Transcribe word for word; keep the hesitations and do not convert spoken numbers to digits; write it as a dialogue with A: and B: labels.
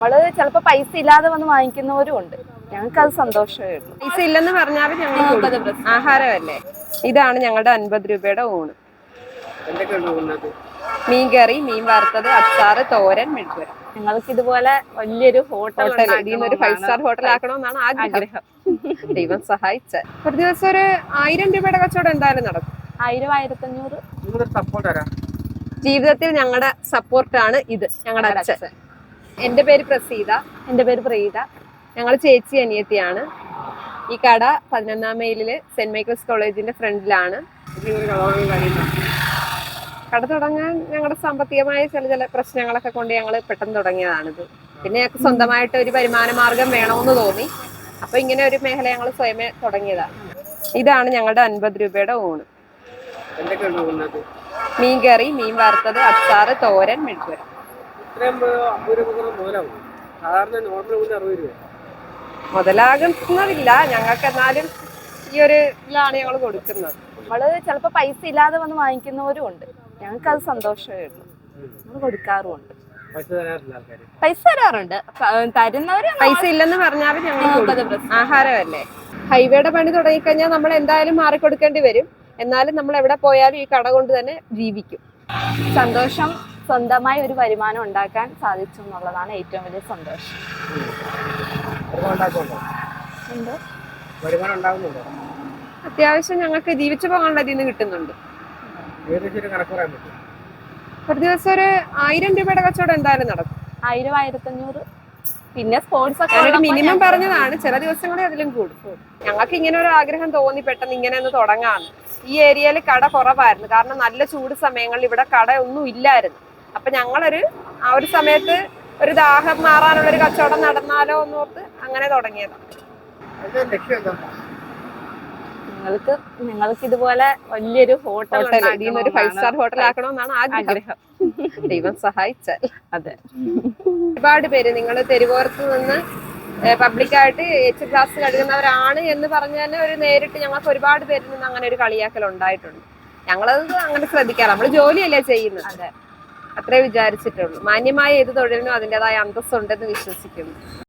A: നമ്മള് ചിലപ്പോ പൈസ ഇല്ലാതെ വന്ന് വാങ്ങിക്കുന്നവരും ഉണ്ട്. ഞങ്ങൾക്ക് അത് സന്തോഷമേ ഉള്ളൂ.
B: പൈസ ഇല്ലെന്ന് പറഞ്ഞാലും ഞങ്ങൾ ആഹാരമല്ലേ. ഇതാണ് ഞങ്ങളുടെ അൻപത് രൂപയുടെ ഊണ്. മീൻകറി, മീൻ വറുത്തത്, അച്ചാറ്, തോരൻ, മെഴുക്കുവരട്ടി.
A: ഞങ്ങൾക്ക് ഇതുപോലെ വലിയൊരു ഹോട്ടൽ
B: ഒരു ഫൈവ് സ്റ്റാർ ഹോട്ടൽ ആക്കണമെന്നാണ് ആഗ്രഹം. ദൈവം സഹായിച്ച ഒരു ദിവസം ഒരു ആയിരം രൂപയുടെ കച്ചവടം എന്തായാലും നടക്കും.
A: ആയിരം ആയിരത്തി അഞ്ഞൂറ്.
B: ജീവിതത്തിൽ ഞങ്ങളുടെ സപ്പോർട്ടാണ് ഇത്. ഞങ്ങളുടെ അച്ഛൻ. എന്റെ പേര് പ്രസീത.
A: എന്റെ പേര് പ്രീത.
B: ഞങ്ങൾ ചേച്ചി അനിയത്തിയാണ്. ഈ കട പതിനൊന്നാം മൈലില് സെന്റ് മൈക്കിൾസ് കോളേജിന്റെ ഫ്രണ്ടിലാണ്. കട തുടങ്ങാൻ ഞങ്ങളുടെ സാമ്പത്തികമായ ചില ചില പ്രശ്നങ്ങളൊക്കെ കൊണ്ട് ഞങ്ങൾ പെട്ടെന്ന് തുടങ്ങിയതാണിത്. പിന്നെ ഞങ്ങൾക്ക് സ്വന്തമായിട്ട് ഒരു വരുമാന മാർഗം വേണമെന്ന് തോന്നി. അപ്പൊ ഇങ്ങനെ ഒരു മേഖല ഞങ്ങൾ സ്വയമേ തുടങ്ങിയതാണ്. ഇതാണ് ഞങ്ങളുടെ അൻപത് രൂപയുടെ ഊണ്. മീൻകറി, മീൻ വറുത്തത്, അച്ചാറ്, തോരൻ, മെഴുക്കുവരട്ടി. മുതലാകുന്നതില്ല ഞങ്ങൾക്ക്, എന്നാലും ഈ ഒരു ഇതിലാണ് ഞങ്ങൾ കൊടുക്കുന്നത്.
A: നമ്മള് ചിലപ്പോ പൈസ ഇല്ലാതെ വന്ന് വാങ്ങിക്കുന്നവരും ഉണ്ട്. ഞങ്ങൾക്ക് അത് സന്തോഷമേ ഉള്ളൂ. നമ്മൾ കൊടുക്കാറുമുണ്ട്. പൈസ തരാറുണ്ട്. തരുന്നവര്
B: പൈസ ഇല്ലെന്ന് പറഞ്ഞാലും ഞങ്ങൾ ആഹാരമല്ലേ. ഹൈവേയുടെ പണി തുടങ്ങിക്കഴിഞ്ഞാൽ നമ്മൾ എന്തായാലും മാറിക്കൊടുക്കേണ്ടി വരും. എന്നാലും നമ്മൾ എവിടെ പോയാലും ഈ കട കൊണ്ട് തന്നെ ജീവിക്കും.
A: സന്തോഷം. സ്വന്തമായി ഒരു വരുമാനം ഉണ്ടാക്കാൻ സാധിച്ചു എന്നുള്ളതാണ് ഏറ്റവും വലിയ സന്തോഷം.
B: അത്യാവശ്യം ഞങ്ങൾക്ക് ജീവിച്ചു പോകാനുള്ള ഇതിൽ നിന്ന് കിട്ടുന്നുണ്ട്. ഒരു ദിവസം ഒരു ആയിരം രൂപയുടെ കച്ചവടം എന്തായാലും നടക്കും.
A: ആയിരം ആയിരത്തി അഞ്ഞൂറ്. പിന്നെ സ്പോർട്സ് ഒക്കെ
B: ഒരു മിനിമം പറഞ്ഞതാണ്. ചില ദിവസങ്ങളിൽ അതിലും കൂടും. ഞങ്ങൾക്ക് ഇങ്ങനെ ഒരു ആഗ്രഹം തോന്നി പെട്ടെന്ന് ഇങ്ങനെ ഒന്ന് തുടങ്ങാന്ന്. ഈ ഏരിയയിൽ കട കുറവായിരുന്നു. കാരണം നല്ല ചൂട് സമയങ്ങളിൽ ഇവിടെ കട ഒന്നും ഇല്ലായിരുന്നു. അപ്പൊ ഞങ്ങളൊരു ആ ഒരു സമയത്ത് ഒരു ദാഹം മാറാനുള്ള ഒരു കച്ചവടം നടന്നാലോ എന്നോർത്ത് അങ്ങനെ തുടങ്ങിയതാണ്.
A: നിങ്ങൾക്ക് നിങ്ങൾക്ക് ഇതുപോലെ വലിയൊരു ഹോട്ടൽ
B: ഒരു ഫൈവ് സ്റ്റാർ ഹോട്ടൽ ആക്കണമെന്നാണ് ആഗ്രഹം. ദൈവം സഹായിച്ചാൽ.
A: അതെ.
B: ഒരുപാട് പേര് നിങ്ങൾ തെരുവോരത്ത് നിന്ന് പബ്ലിക്കായിട്ട് എച്ച് ക്ലാസ് കഴുകുന്നവരാണ് എന്ന് പറഞ്ഞാൽ ഒരു നേരിട്ട് ഞങ്ങൾക്ക് ഒരുപാട് പേരിൽ നിന്ന് അങ്ങനെ ഒരു കളിയാക്കൽ ഉണ്ടായിട്ടുണ്ട്. ഞങ്ങളത് അങ്ങനെ ശ്രദ്ധിക്കാറ്. നമ്മള് ജോലിയല്ലേ ചെയ്യുന്നത്.
A: അതെ.
B: അത്രേ വിചാരിച്ചിട്ടുള്ളൂ. മാന്യമായ ഏത് തൊഴിലിനും അതിൻ്റെതായ അന്തസ്സുണ്ടെന്ന് വിശ്വസിക്കുന്നു.